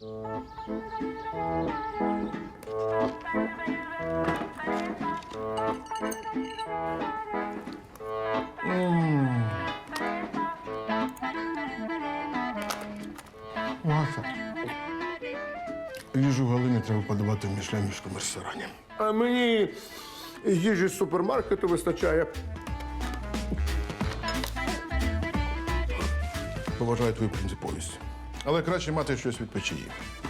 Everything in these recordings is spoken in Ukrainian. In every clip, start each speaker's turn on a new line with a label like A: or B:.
A: Маша. Їжу Галини треба подавати в мішленівському ресторані. А мені їжі з супермаркету вистачає. Поважаю твою принциповість. Але краще мати щось від печії.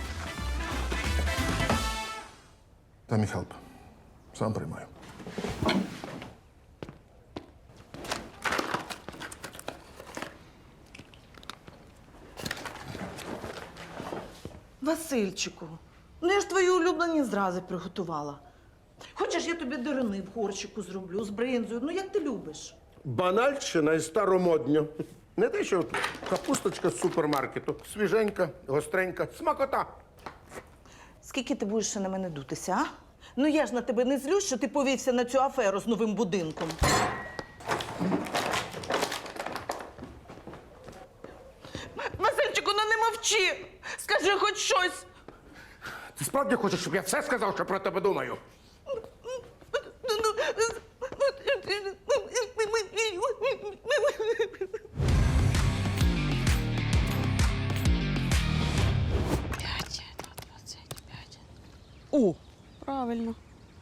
A: Та мій хелп. Сам приймаю.
B: Васильчику, ну я ж твої улюблені зрази приготувала. Хочеш, я тобі дирини в горщику зроблю з бринзою, ну як ти любиш.
A: Банальщина і старомодньо. Не те, що капусточка з супермаркету. Свіженька, гостренька, смакота.
B: Скільки ти будеш ще на мене дутися, а? Ну я ж на тебе не злюсь, що ти повівся на цю аферу з новим будинком. Васильчику, ну не мовчи! Скажи хоч щось!
A: Ти справді хочеш, щоб я все сказав, що про тебе думаю?
C: О, правильно.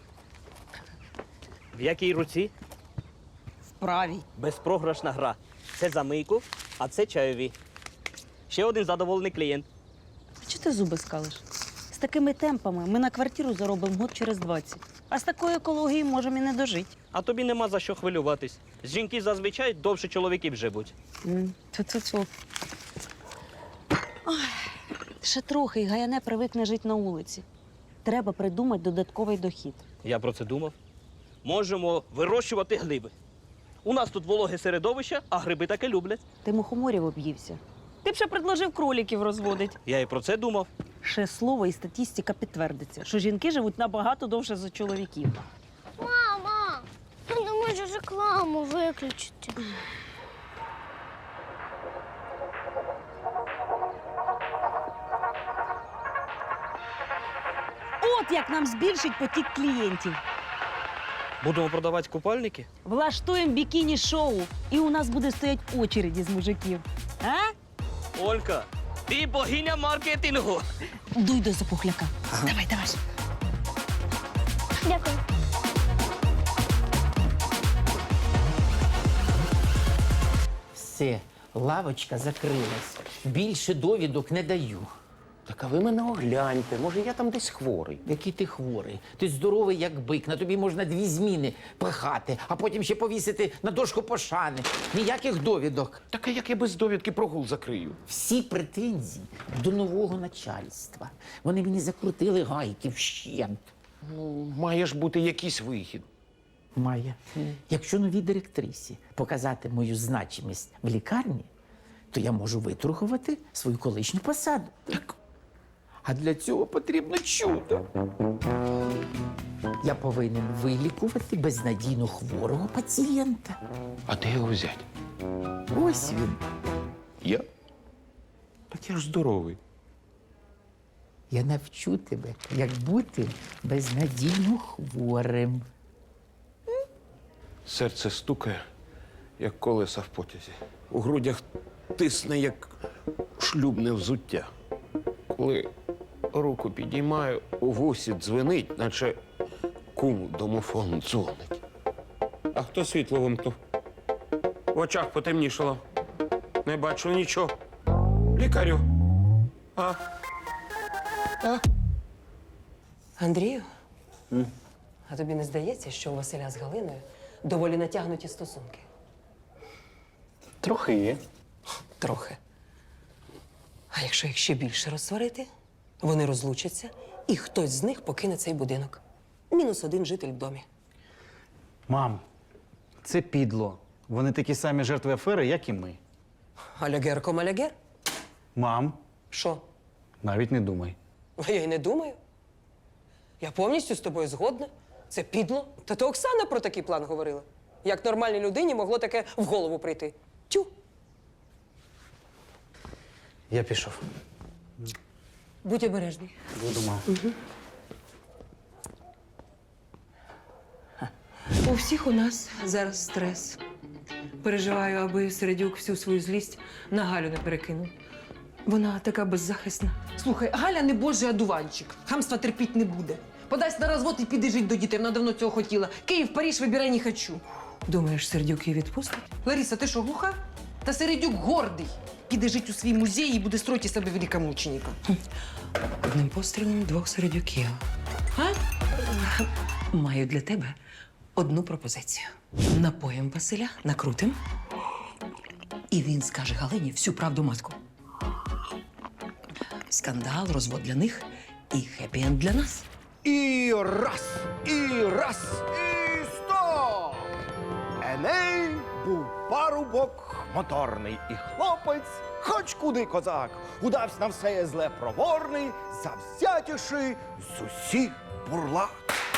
D: В якій руці?
C: В правій.
D: Безпрограшна гра. Це за мийку, а це чайові. Ще один задоволений клієнт.
C: А чого ти зуби скалиш? З такими темпами ми на квартиру заробимо год через 20. А з такою екологією можемо і не дожити.
D: А тобі нема за що хвилюватись. Жінки зазвичай довше чоловіків живуть.
C: Ту-ту-ту. Ой, ще трохи, і Гаяне привикне жити на вулиці. Треба придумати додатковий дохід.
D: Я про це думав. Можемо вирощувати гриби. У нас тут вологе середовище, а гриби таке люблять.
C: Ти мухоморів об'ївся. Ти б ще предложив кроліків розводити.
D: Я і про це думав.
C: Ще слово і статистика підтвердиться, що жінки живуть набагато довше за чоловіків.
E: Мама, ти не можеш рекламу виключити.
C: От як нам збільшить потік клієнтів.
D: Будемо продавати купальники?
C: Влаштуємо бікіні-шоу, і у нас буде стоять очереді з мужиків. А?
D: Олька, ти богиня маркетингу.
C: Дуй до запухляка. Давай, давай.
E: Дякую.
F: Все, лавочка закрилась. Більше довідок не даю.
G: Так а ви мене огляньте, може я там десь хворий.
F: Який ти хворий? Ти здоровий, як бик. На тобі можна 2 зміни пихати, а потім ще повісити на дошку пошани. Ніяких довідок.
G: Так а як я без довідки прогул закрию?
F: Всі претензії до нового начальства. Вони мені закрутили гайки вщент.
G: Ну, має ж бути якийсь вихід.
F: Має. Якщо новій директрисі показати мою значимість в лікарні, то я можу виторгувати свою колишню посаду. Так. А для цього потрібно чудо. Я повинен вилікувати безнадійно хворого пацієнта.
G: А де його взяти?
F: Ось він.
G: Я? Так я ж здоровий.
F: Я навчу тебе, як бути безнадійно хворим.
G: Серце стукає, як колеса в потязі. У грудях тисне, як шлюбне взуття. Коли руку підіймаю, у вусі дзвенить, наче кум домофон дзвонить. А хто світло вимкнув? В очах потемнішало. Не бачу нічого. Лікарю.
H: Андрію, а тобі не здається, що у Василя з Галиною доволі натягнуті стосунки?
I: Трохи є.
H: Трохи. А якщо їх ще більше розсварити, вони розлучаться, і хтось з них покине цей будинок. -1 житель в домі.
I: Мам, це підло. Вони такі самі жертви афери, як і ми.
H: Алягер ком алягер?
I: Мам,
H: Що?
I: навіть не думай.
H: А я й не думаю. Я повністю з тобою згодна. Це підло. Та то Оксана про такий план говорила. Як нормальній людині могло таке в голову прийти? Тю.
I: Я пішов.
H: Будь обережний.
I: Буду, мам.
H: У всіх у нас зараз стрес. Переживаю, аби Середюк всю свою злість на Галю не перекинув. Вона така беззахисна. Слухай, Галя не божий одуванчик. Хамства терпіть не буде. Подасть на розвод і піде жить до дітей. Вона давно цього хотіла. Київ, Париж, вибирай, не хочу. Думаєш, Середюк її відпустить? Лариса, ти що, глуха? Та Середюк гордий. Піде жить у свій музей і буде строїти із себе великомученика. Одним пострілом двох Середюків. А? Маю для тебе одну пропозицію. Напоїм Василя, накрутим, і він скаже Галині всю правду матку. Скандал, розвод для них і хеппі-енд для нас.
J: І раз, і стоп! Еней був парубок моторний, і хлопець, хоч куди козак, удався на все зле проворний, завзятіший з усіх бурлак.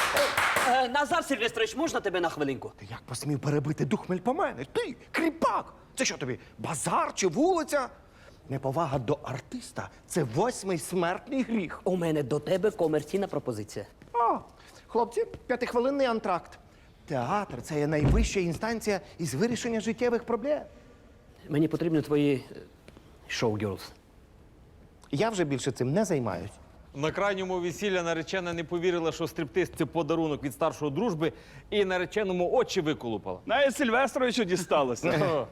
D: Назар Сильвестрович, можна тебе на хвилинку?
J: Ти як посмів перебити духмель по мене? Ти, кріпак! Це що тобі, базар чи вулиця? Неповага до артиста – це 8-й смертний гріх.
D: У мене до тебе комерційна пропозиція.
J: А, хлопці, 5-хвилинний антракт. Театр – це є найвища інстанція із вирішення життєвих проблем.
D: Мені потрібні твої шоу-гірлз.
J: Я вже більше цим не займаюсь.
G: На крайньому весілля наречена не повірила, що стриптиз – це подарунок від старшої дружби, і нареченому очі виколупала.
K: Навіть Сильвестровичу дісталося.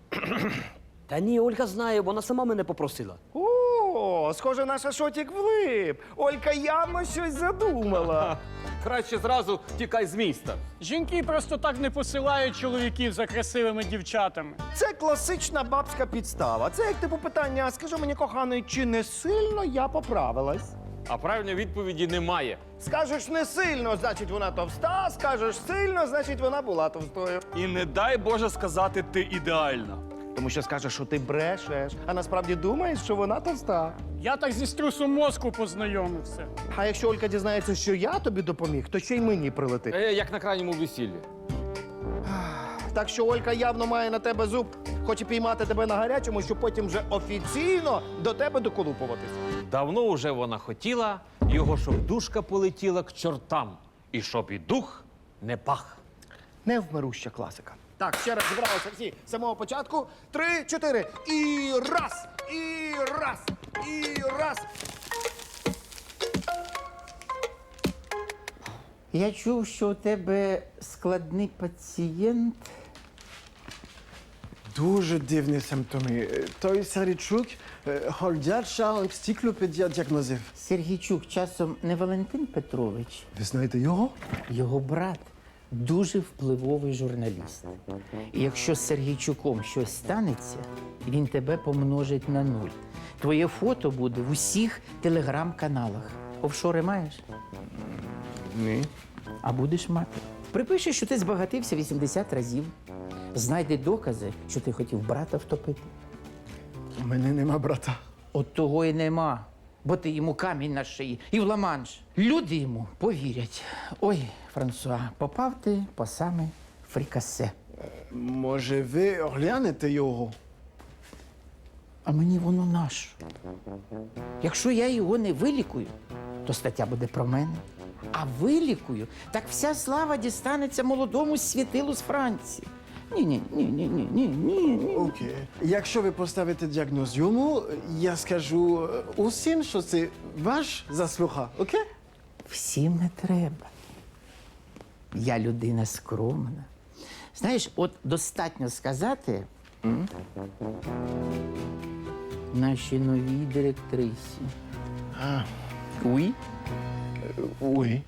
D: Та ні, Ольга знає, вона сама мене попросила.
J: О, схоже, наша шотік влип. Олька явно щось задумала.
G: Краще зразу тікай з міста.
K: Жінки просто так не посилають чоловіків за красивими дівчатами.
J: Це класична бабська підстава. Це як типу питання, скажи мені, коханий, чи не сильно я поправилась?
G: А правильної відповіді немає.
J: Скажеш не сильно, значить вона товста, скажеш сильно, значить вона була товстою.
K: І не дай Боже сказати, ти ідеальна.
J: Тому що скажеш, що ти брешеш, а насправді думаєш, що вона товста.
K: Я так зі струсом мозку познайомився.
J: А якщо Олька дізнається, що я тобі допоміг, то ще й мені прилетить.
G: Як на крайньому весіллі.
J: Так що Олька явно має на тебе зуб, хоче піймати тебе на гарячому, щоб потім вже офіційно до тебе доколупуватись.
G: Давно уже вона хотіла, його щоб душка полетіла к чортам. І щоб і дух не пах.
J: Невмируща класика. Так, ще раз зібралися всі з самого початку. 3, 4. І раз, і раз, і раз.
F: Я чув, що у тебе складний пацієнт.
L: Дуже дивні симптоми. Той Середюк ходяча енциклопедія діагнозів.
F: Сергійчук часом не Валентин Петрович,
L: Ви знаєте його?
F: його брат. Дуже впливовий журналіст. І якщо з Сергійчуком щось станеться, він тебе помножить на 0. Твоє фото буде в усіх телеграм-каналах. Офшори маєш?
L: Ні.
F: А будеш мати. Припиши, що ти збагатився 80 разів. Знайди докази, що ти хотів брата втопити.
L: У мене нема брата.
F: От того і нема, бо ти йому камінь на шиї і в ла-манш. Люди йому повірять. Ой, Франсуа, попав ти по саме фрікасе.
L: Може, ви оглянете його?
F: А мені воно нащо? Якщо я його не вилікую, то стаття буде про мене. А вилікую, так вся слава дістанеться молодому світилу з Франції. Ні.
L: Окей. Якщо ви поставите діагноз йому, я скажу усім, що це ваш заслуга, окей?
F: Всім не треба. Я людина скромна. Знаєш, от достатньо сказати нашій новій директрисі. Уй?
L: Уй.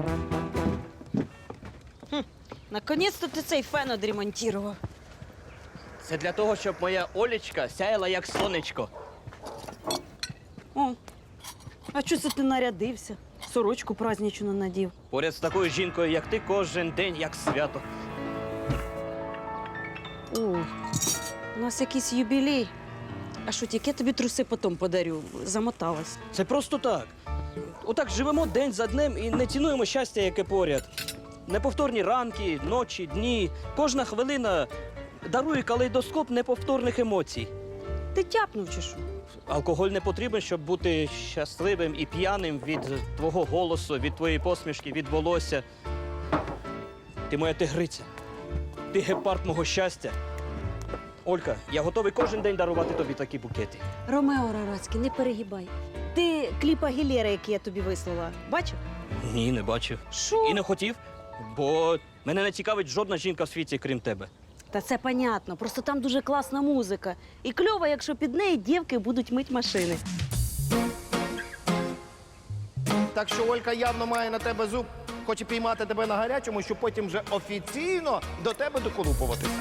C: Наконець-то ти цей фен одремонтував.
D: Це для того, щоб моя Олечка сяяла як сонечко.
C: О, а чого це ти нарядився? Сорочку праздничну надів.
D: Поряд з такою жінкою, як ти, кожен день як свято.
C: О, у нас якийсь юбілей. А що, тільки я тобі труси потім подарю? Замоталась.
D: Це просто так. Отак живемо день за днем і не цінуємо щастя, яке поряд. Неповторні ранки, ночі, дні. Кожна хвилина дарує калейдоскоп неповторних емоцій.
C: Ти тяпнув чи що?
D: Алкоголь не потрібен, щоб бути щасливим і п'яним від твого голосу, від твоєї посмішки, від волосся. Ти моя тигриця. Ти гепард мого щастя. Олька, я готовий кожен день дарувати тобі такі букети.
C: Ромео Рарацький, не перегибай. Ти кліп Агілєри, який я тобі вислала, бачив?
D: Ні, не бачив.
C: Що?
D: І не хотів, бо мене не цікавить жодна жінка в світі, крім тебе.
C: Та це понятно, просто там дуже класна музика. І кльово, якщо під неї дівки будуть мить машини.
J: Так що Олька явно має на тебе зуб, хоче піймати тебе на гарячому, щоб потім вже офіційно до тебе доколупуватися.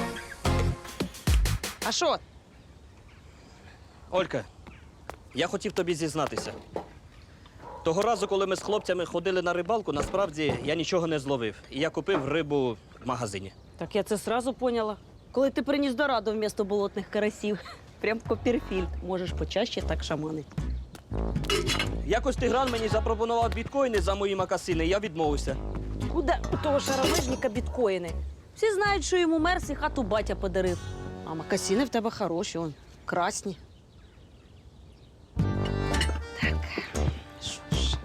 C: А що?
D: Олька, я хотів тобі зізнатися. Того разу, коли ми з хлопцями ходили на рибалку, насправді я нічого не зловив. І я купив рибу в магазині.
C: Так я це сразу поняла. Коли ти приніс дораду вмісто болотних карасів. Прям Копперфільд. Можеш почаще так шаманити.
D: Якось Тигран мені запропонував біткоїни за мої макасини, я відмовився.
C: Куди у того шаровижника біткоїни? Всі знають, що йому мерс і хату батя подарив. А макасини в тебе хороші, он, красні. Так, що ж?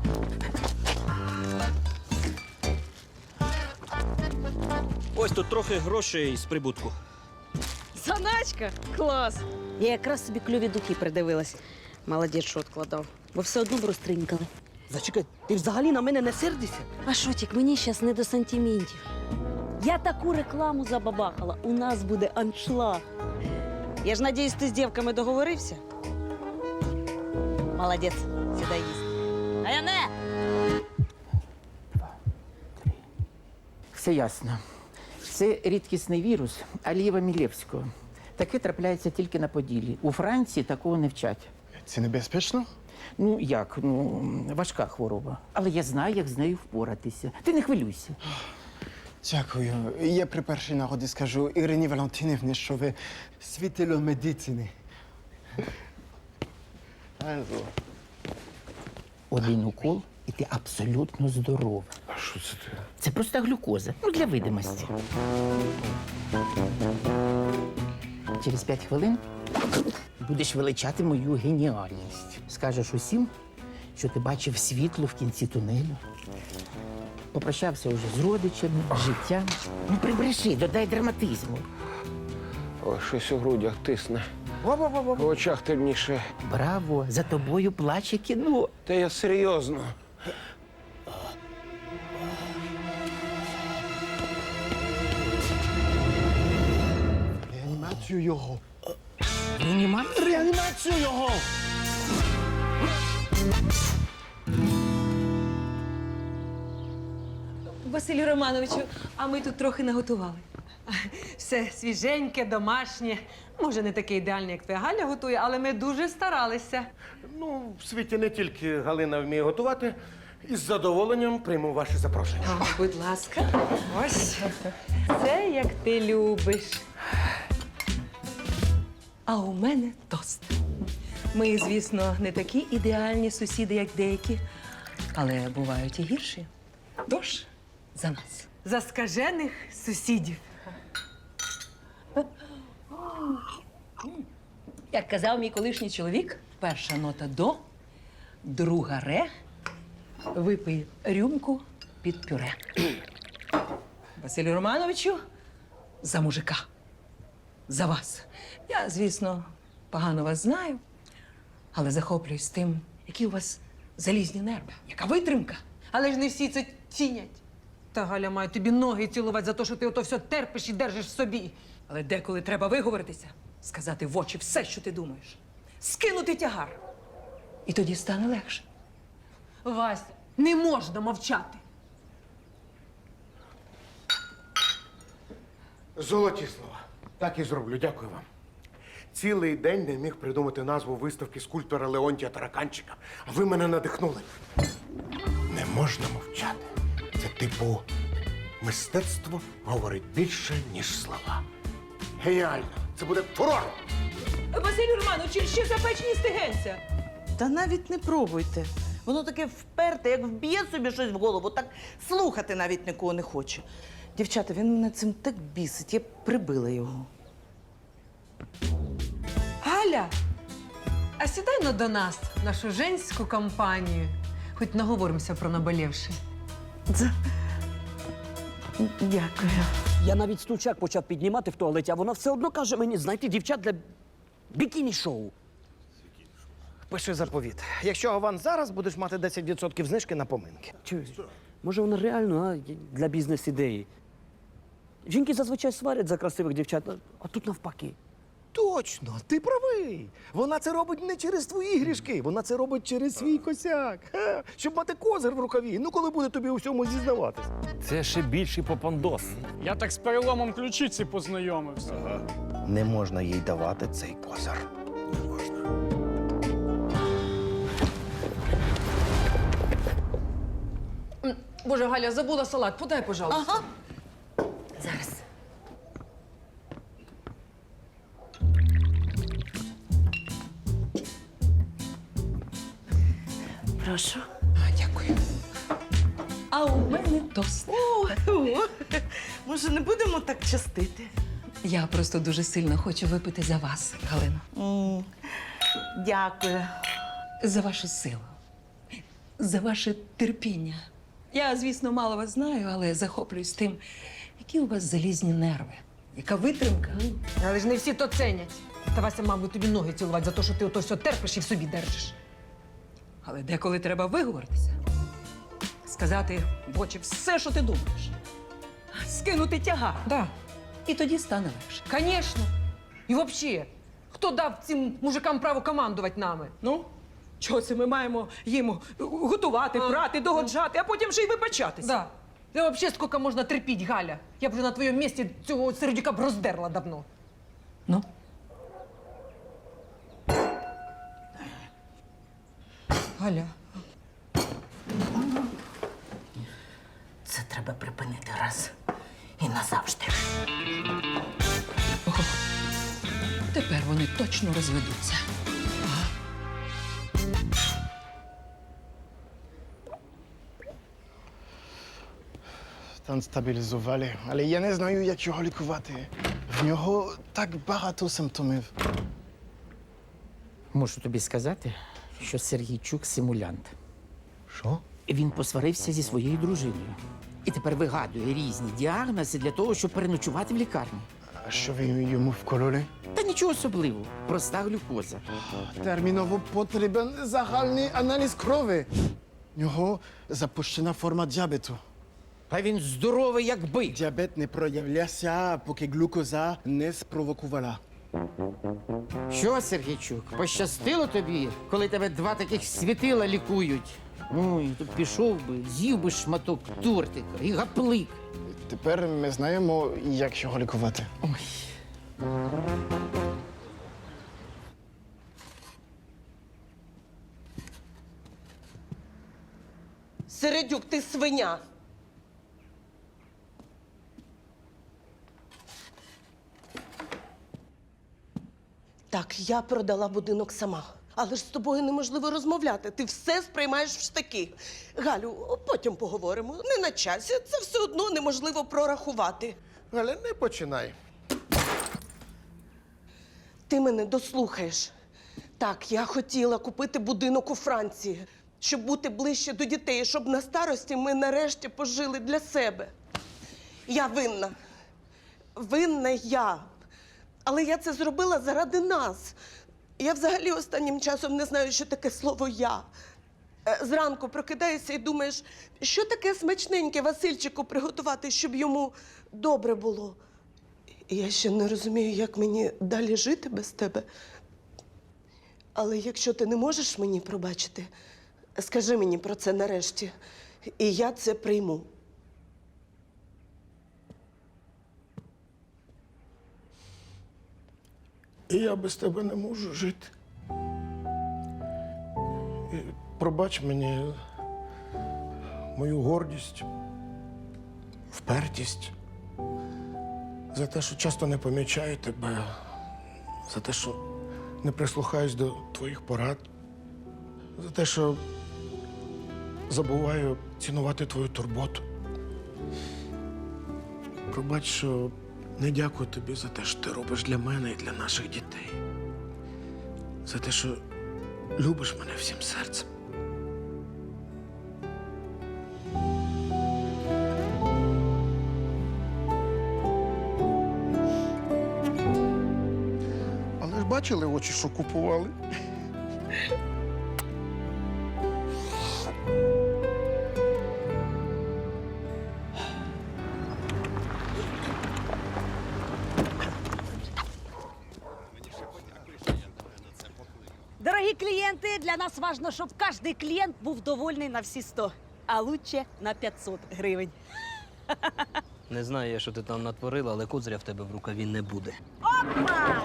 D: Ось тут трохи грошей з прибутку.
C: Заначка? Клас! Я якраз собі кльові духи придивилась. Молодець, що відкладав. Бо все одно б розтринькали.
D: Зачекай, ти взагалі на мене не сердишся?
C: А шотік, мені зараз не до сантиментів. Я таку рекламу забабахала. У нас буде аншлаг. Я ж надіюсь, ти з дівками договорився? Молодець, сідай їсти. А я не!
F: Все ясно. Це рідкісний вірус Алієва Мілєвського. Таке трапляється тільки на Поділлі. У Франції такого не вчать.
L: Це небезпечно?
F: Ну як? Ну, важка хвороба. Але я знаю, як з нею впоратися. Ти не хвилюйся.
L: Дякую. Я при першій нагоді скажу Ірині Валентинівні, що ви світило медицини.
F: Один укол, і ти абсолютно здорова.
A: А що це ти?
F: Це просто глюкоза. Ну, для видимості. Через 5 хвилин будеш величати мою геніальність. Скажеш усім, що ти бачив світло в кінці тунелю. Попрощався вже з родичами, з життям. Ну, прибреши, додай драматизму.
G: Ой, щось у грудях тисне. В очах темніше.
F: Браво! За тобою плаче кіно.
G: Та я серйозно.
L: Реанімацію його.
F: Реанімація?
L: Реанімацію його!
H: Василю Романовичу, а ми тут трохи наготували. Все свіженьке, домашнє. Може, не таке ідеальне, як твоя Галя готує, але ми дуже старалися.
A: Ну, в світі не тільки Галина вміє готувати. Із задоволенням прийму ваше запрошення.
H: Будь ласка, ось. Це як ти любиш. А у мене тост. Ми, звісно, не такі ідеальні сусіди, як деякі, але бувають і гірші. Тож, за нас. За скажених сусідів. Як казав мій колишній чоловік, перша нота до, друга ре, випий рюмку під пюре. Василю Романовичу, за мужика. За вас. Я, звісно, погано вас знаю, але захоплююсь тим, які у вас залізні нерви, яка витримка. Але ж не всі це цінять. Та Галя має тобі ноги цілувати за те, що ти ото все терпиш і держиш в собі. Але деколи треба виговоритися, сказати в очі все, що ти думаєш. Скинути тягар. І тоді стане легше. Вась, не можна мовчати.
A: Золоті слова. Так і зроблю. Дякую вам. Цілий день не міг придумати назву виставки скульптора Леонтія Тараканчика. А ви мене надихнули. Не можна мовчати. Це типу мистецтво говорить більше, ніж слова. Геніально. Це буде фурор.
H: Василю Романовичу, ще запечені стегенця.
B: Та навіть не пробуйте. Воно таке вперте, як вб'є собі щось в голову, так слухати навіть нікого не хоче. Дівчата, він мене цим так бісить, я б прибила його.
H: Галя, а сідай до нас, в нашу женську компанію. Хоч наговоримося про наболівши.
B: Дякую.
D: Я навіть стульчак почав піднімати в туалеті, а вона все одно каже мені знайти дівчат для бікіні-шоу.
J: Пиши заповіт. Якщо аванс зараз, будеш мати 10% знижки на поминки.
D: Чуєш, може вона реально для бізнес-ідеї? Жінки зазвичай сварять за красивих дівчат, а тут навпаки.
J: Точно, ти правий. Вона це робить не через твої грішки, вона це робить через свій косяк. Ха, щоб мати козир в рукаві, ну коли буде тобі у всьому зізнаватись.
I: Це ще більший попандос.
K: Я так з переломом ключиці познайомився.
J: Не можна їй давати цей козир.
H: Боже, Галя, забула салат. Подай, пожалуйста.
B: Ага.
C: Зараз. Прошу.
H: Дякую. А у мене тост.
B: Може, не будемо так частити?
H: Я просто дуже сильно хочу випити за вас, Галино.
B: Дякую.
H: За вашу силу. За ваше терпіння. Я, звісно, мало вас знаю, але захоплююсь тим, які у вас залізні нерви. Яка витримка. Але ж не всі то ценять. Та Вася мав би тобі ноги цілувати за те, що ти ото все терпиш і в собі держиш. Але деколи треба виговоритися. Сказати в очі все, що ти думаєш. Скинути тягар. Да. І тоді стане легше. Звісно. І взагалі, хто дав цим мужикам право командувати нами? Ну? Чого це ми маємо їм готувати, прати, догоджати, а потім ще й вибачатися? Да. Та взагалі скільки можна терпіти, Галя? Я б вже на твоєму місці цього сердюка б роздерла давно. Ну? Галя.
C: Це треба припинити раз і назавжди.
H: Ого. Тепер вони точно розведуться.
L: Стан стабілізували, але я не знаю, як його лікувати. В нього так багато симптомів.
F: Можу тобі сказати, що Сергійчук симулянт.
J: Що?
F: Він посварився зі своєю дружиною. І тепер вигадує різні діагнози для того, щоб переночувати в лікарні.
L: А що ви йому вкололи?
F: Та нічого особливого, проста глюкоза.
L: Терміново потрібен загальний аналіз крові. В нього запущена форма діабету.
F: А він здоровий, як бик.
L: Діабет не проявлявся, поки глюкоза не спровокувала.
F: Що, Сергійчук, пощастило тобі, коли тебе два таких світила лікують? Ой, то пішов би, з'їв би шматок тортика і гаплик.
L: Тепер ми знаємо, як його лікувати.
F: Ой.
B: Середюк, ти свиня. Так, я продала будинок сама. Але ж з тобою неможливо розмовляти. Ти все сприймаєш в штики. Галю, потім поговоримо. Не на часі. Це все одно неможливо прорахувати.
A: Галя, не починай.
B: Ти мене дослухаєш. Так, я хотіла купити будинок у Франції, щоб бути ближче до дітей, щоб на старості ми нарешті пожили для себе. Я винна. Винна я. Але я це зробила заради нас. Я взагалі останнім часом не знаю, що таке слово «я». Зранку прокидаєшся і думаєш, що таке смачненьке Васильчику приготувати, щоб йому добре було. І я ще не розумію, як мені далі жити без тебе. Але якщо ти не можеш мені пробачити, скажи мені про це нарешті, і я це прийму.
A: І я без тебе не можу жити. І пробач мені мою гордість, впертість, за те, що часто не помічаю тебе, за те, що не прислухаюсь до твоїх порад, за те, що забуваю цінувати твою турботу. Пробач, що не дякую тобі за те, що ти робиш для мене і для наших дітей. за те, що любиш мене всім серцем. Але ж бачили очі, що купували?
C: Дорогі клієнти, для нас важливо, щоб кожен клієнт був довольний на всі 100, а лучше на 500 гривень.
D: Не знаю я, що ти там натворила, але козиря в тебе в рукаві не буде.
C: Опа!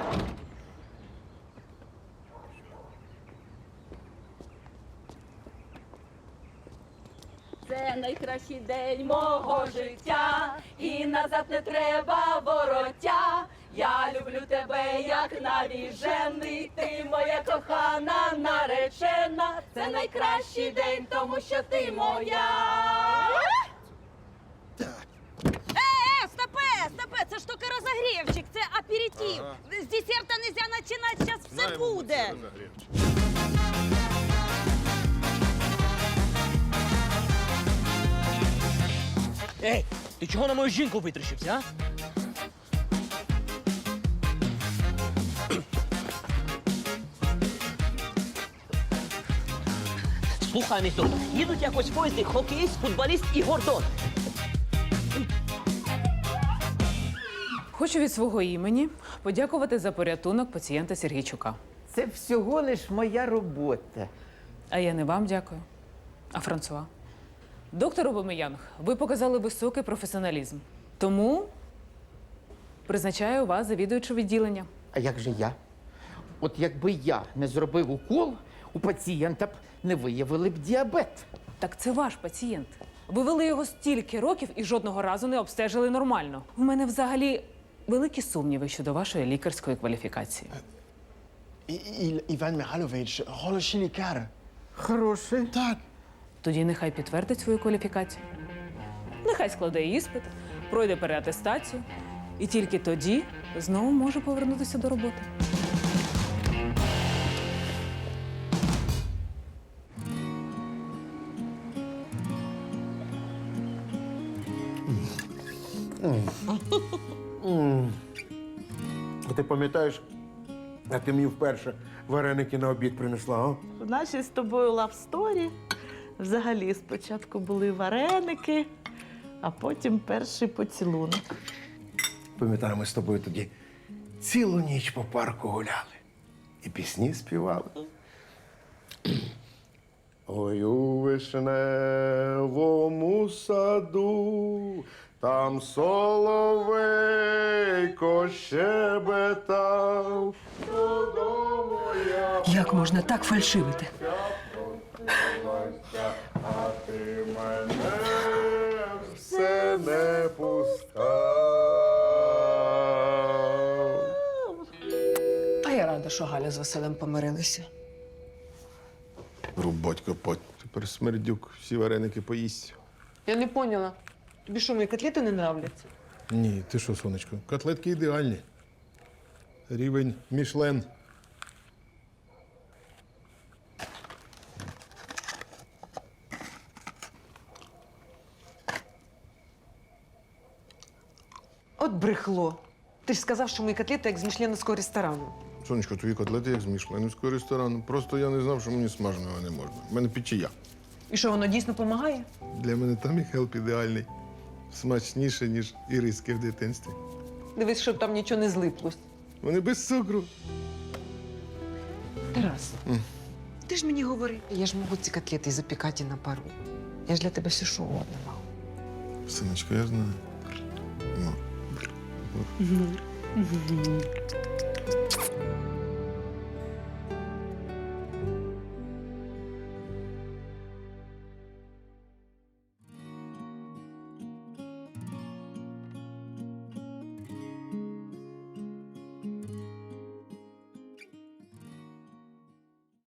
C: Це найкращий день мого життя, і назад не треба вороття. Я люблю тебе, як навіжений, ти моя кохана наречена. Це найкращий день, тому що ти моя. Стопе, це ж тільки розогрівчик, це аперитив. З десерта нельзя починати, зараз все буде.
D: Ей, ти чого на мою жінку витріщився, а? Слухай, містер, їдуть якось в поїзді хокеїст, футболіст і Гордон.
H: Хочу від свого імені подякувати за порятунок пацієнта Сергійчука.
F: Це всього лиш моя робота.
H: А я не вам дякую, а Франсуа. Доктор Обомеянг, ви показали високий професіоналізм. Тому призначаю вас завідуючого відділення.
F: А як же я? От якби я не зробив укол, у пацієнта б не виявили б діабет.
H: Так це ваш пацієнт. Ви вели його стільки років і жодного разу не обстежили нормально. У мене взагалі великі сумніви щодо вашої лікарської кваліфікації.
L: Іван Михайлович, хороший лікар.
F: Хороший.
L: Так.
H: Тоді нехай підтвердить свою кваліфікацію. Нехай складе іспит, пройде переатестацію. І тільки тоді знову може повернутися до роботи.
A: А ти пам'ятаєш, як ти мені вперше вареники на обід принесла, а?
B: В нашій з тобою лавсторі взагалі спочатку були вареники, а потім перший поцілунок.
A: Пам'ятаю, ми з тобою тоді цілу ніч по парку гуляли і пісні співали. Ой, у вишневому саду, там соловейко щебетав. Додому я
H: Як можна так фальшивити?
A: а ти мене все не пускав.
H: А я рада, що Галя з Василем помирилися.
A: Рубать копать. Тепер смердюк всі вареники поїсть.
H: Я не поняла. Тобі що, мої котлети не нравляться?
A: Ні, ти що, сонечко, котлетки ідеальні. Рівень Мішлен.
H: От брехло. Ти ж сказав, що мої котлети як з мішленовського ресторану.
A: Сонечко, твої котлети як з мішленівського ресторану. Просто я не знав, що мені смаженого не можна. У мене печія.
H: І що, воно дійсно допомагає?
A: Для мене там і хелп ідеальний. Смачніше, ніж іриски в дитинстві.
H: Дивись, щоб там нічого не злиплось.
A: Вони без цукру.
H: Тарас, ти ж мені говори. Я ж можу ці котлети запікати на пару. Я ж для тебе все що угодно мав.
A: Синочко, я знаю. Ну.